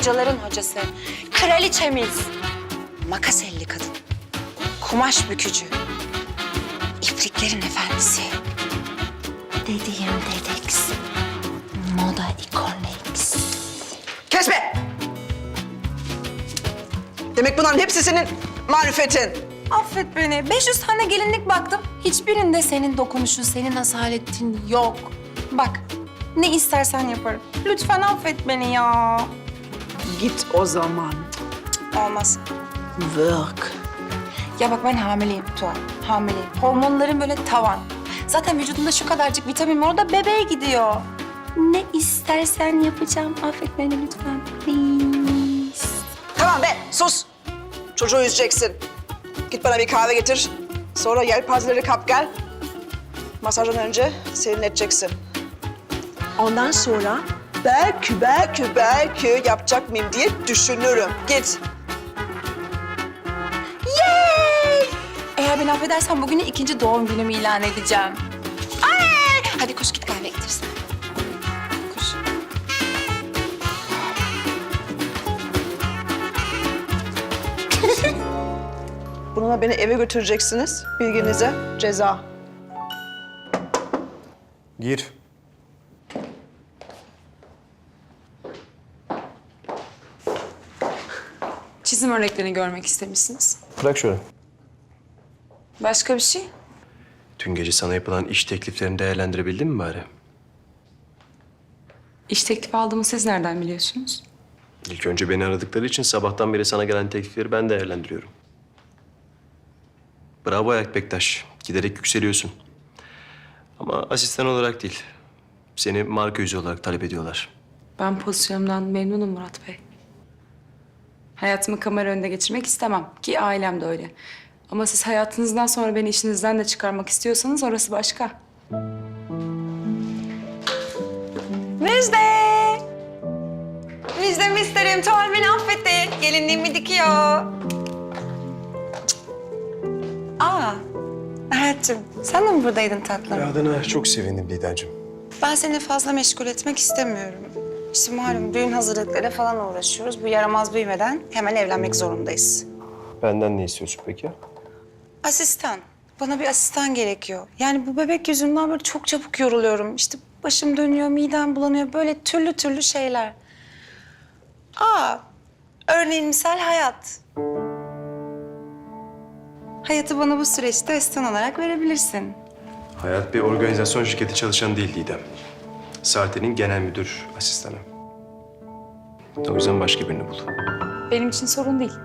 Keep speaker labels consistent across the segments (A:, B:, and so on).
A: hocaların hocası, kraliçemiz, makas elli kadın, kumaş bükücü, ipliklerin efendisi, dediğim Dedeks, moda ikonix.
B: Kesme! Demek bunların hepsi senin marifetin.
A: Affet beni. 500 tane gelinlik baktım. Hiçbirinde senin dokunuşun, senin asaletin yok. Bak, ne istersen yaparım. Lütfen affet beni ya.
B: Git o zaman.
A: Olmaz.
B: Work.
A: Ya bak ben hamileyim Tuğan. Hamileyim. Hormonlarım böyle tavan. Zaten vücudumda şu kadarcık vitamin var. O da bebeğe gidiyor. Ne istersen yapacağım. Affet beni lütfen. Please.
B: Tamam be, sus. Çocuğu üzeceksin. Git bana bir kahve getir. Sonra yelpazeleri kap gel. Masajdan önce serinleteceksin. Ondan sonra belki yapacak mıyım diye düşünürüm. Git.
A: Yay! Eğer beni affedersen bugünü ikinci doğum günümü ilan edeceğim. Ay! Hadi koş git kahve getirsin. Koş.
B: Bununla beni eve götüreceksiniz. Bilginize ceza.
C: Gir.
D: Çizim örneklerini görmek istemişsiniz.
C: Bırak şöyle.
D: Başka bir şey?
C: Dün gece sana yapılan iş tekliflerini değerlendirebildin mi bari?
D: İş teklifi aldığımı siz nereden biliyorsunuz?
C: İlk önce beni aradıkları için sabahtan beri sana gelen teklifleri ben değerlendiriyorum. Bravo Ayak Bektaş. Giderek yükseliyorsun. Ama asistan olarak değil. Seni marka yüzü olarak talep ediyorlar.
D: Ben pozisyonumdan memnunum Murat Bey. Hayatımı kamera önünde geçirmek istemem ki ailem de öyle. Ama siz hayatınızdan sonra beni işinizden de çıkarmak istiyorsanız orası başka.
A: Müjde! Müjdemi isterim. Tuğal beni affetti. Gelinliğimi dikiyor. Aa, hayatım sen de mi buradaydın tatlım?
C: Adına çok sevindim Didemciğim.
A: Ben seni fazla meşgul etmek istemiyorum. İşte malum düğün hazırlıkları falan uğraşıyoruz. Bu yaramaz büyümeden hemen evlenmek zorundayız.
C: Benden ne istiyorsun peki?
A: Asistan. Bana bir asistan gerekiyor. Yani bu bebek yüzünden böyle çok çabuk yoruluyorum. İşte başım dönüyor, midem bulanıyor. Böyle türlü türlü şeyler. Örneğin misal Hayat. Hayatı bana bu süreçte asistan olarak verebilirsin.
C: Hayat bir organizasyon şirketi çalışanı değil Didem. Sarte'nin genel müdür asistanı. O yüzden başka birini bul.
D: Benim için sorun değil.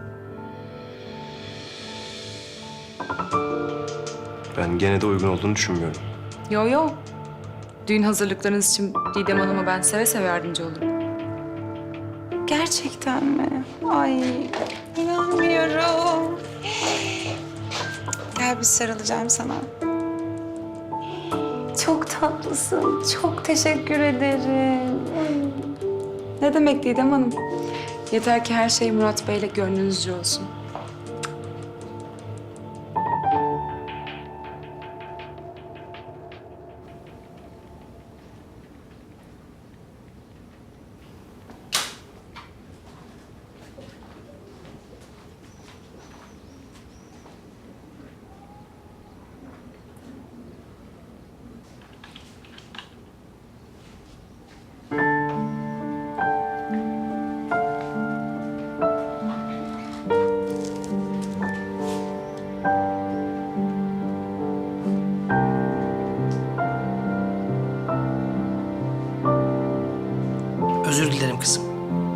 C: Ben gene de uygun olduğunu düşünmüyorum.
D: Yo yo. Düğün hazırlıklarınız için Didem Hanım'a ben seve seve yardımcı olurum.
A: Gerçekten mi? Ay, inanmıyorum. Gel bir sarılacağım sana. Çok tatlısın. Çok teşekkür ederim.
D: Ne demek Didem Hanım? Yeter ki her şey Murat Bey'le gönlünüzce olsun.
E: Özür dilerim kızım.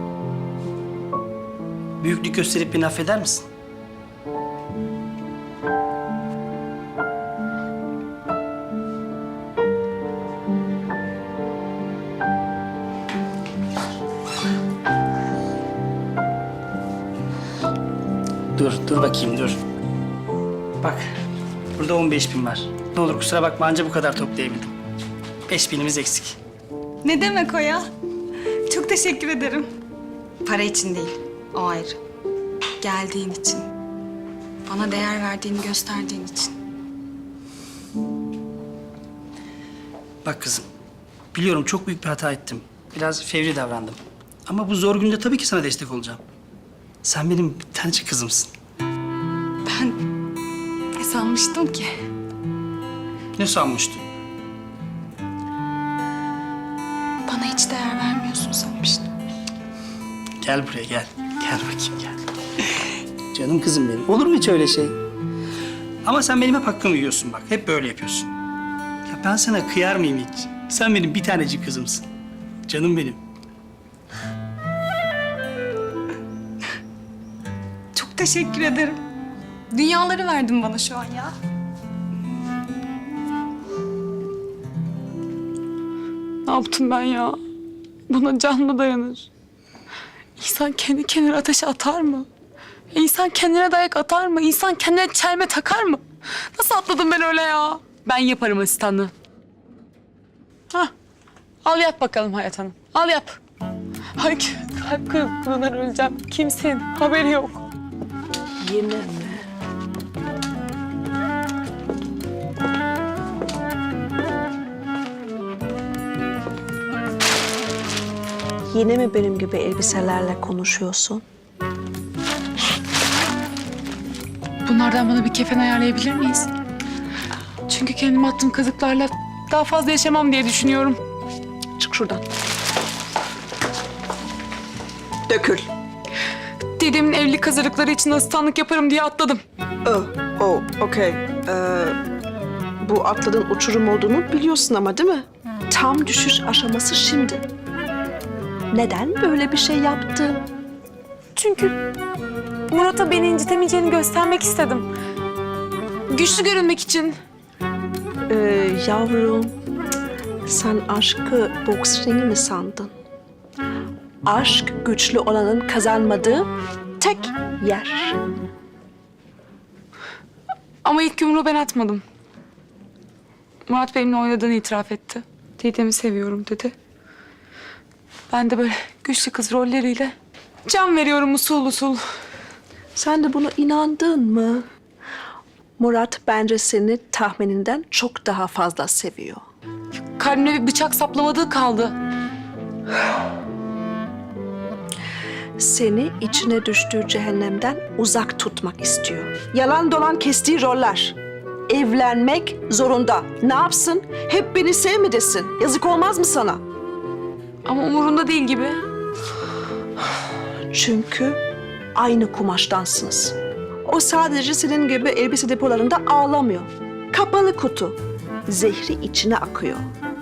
E: Büyüklük gösterip beni affeder misin? Dur bakayım dur. Bak, burada 15.000 var. Ne olur kusura bakma anca bu kadar toplayabildim. 5.000'imiz eksik.
F: Ne demek o ya? Çok teşekkür ederim. Para için değil, o ayrı. Geldiğin için. Bana değer verdiğini gösterdiğin için.
E: Bak kızım, biliyorum çok büyük bir hata ettim. Biraz fevri davrandım. Ama bu zor günde tabii ki sana destek olacağım. Sen benim bir tanecik kızımsın.
F: Ben ne sanmıştım ki?
E: Ne sanmıştın?
F: Bana hiç değer vermiyorsun sanmıştım.
E: Gel buraya gel. Gel bakayım gel. Canım kızım benim. Olur mu hiç öyle şey? Ama sen benim hep hakkımı yiyorsun bak. Hep böyle yapıyorsun. Ya ben sana kıyar mıyım hiç? Sen benim bir tanecik kızımsın. Canım benim.
F: Çok teşekkür ederim. Dünyaları verdin bana şu an ya.
D: Ne yaptım ben ya? Buna can mı dayanır? İnsan kendi kendine ateşe atar mı? İnsan kendine dayak atar mı? İnsan kendine çelme takar mı? Nasıl atladım ben öyle ya? Ben yaparım asistanlığı. Hah. Al yap bakalım Hayat Hanım. Al yap. Ay kalp kırıklığından öleceğim. Kimsenin haberi yok.
B: Yine mi? Yine mi benim gibi elbiselerle konuşuyorsun?
D: Bunlardan bana bir kefen ayarlayabilir miyiz? Çünkü kendime attığım kazıklarla daha fazla yaşamam diye düşünüyorum.
B: Çık şuradan. Dökül.
D: Dedemin evlilik hazırlıkları için asistanlık yaparım diye atladım.
B: Okey. Bu atladığın uçurum olduğunu biliyorsun ama değil mi? Tam düşüş aşaması şimdi. Neden böyle bir şey yaptın?
D: Çünkü Murat'a beni incitemeyeceğini göstermek istedim. Güçlü görünmek için.
B: Yavrum, sen aşkı boks ringi mi sandın? Aşk güçlü olanın kazanmadığı tek yer.
D: Ama ilk yumruğu ben atmadım. Murat benimle oynadığını itiraf etti. Didem'i seviyorum dedi. Ben de böyle güçlü kız rolleriyle can veriyorum usul usul.
B: Sen de buna inandın mı? Murat bence seni tahmininden çok daha fazla seviyor.
D: Kalbime bir bıçak saplamadığı kaldı.
B: Seni içine düştüğü cehennemden uzak tutmak istiyor. Yalan dolan kestiği roller. Evlenmek zorunda. Ne yapsın? Hep beni sevmedesin. Yazık olmaz mı sana?
D: Ama umurunda değil gibi.
B: Çünkü aynı kumaştansınız. O sadece senin gibi elbise depolarında ağlamıyor. Kapalı kutu. Zehri içine akıyor.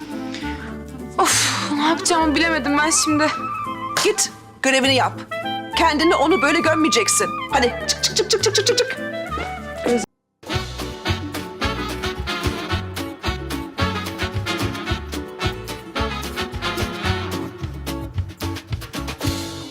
D: Of, ne yapacağımı bilemedim ben şimdi.
B: Git görevini yap. Kendini onu böyle gömmeyeceksin. Hadi çık çık çık çık çık çık çık.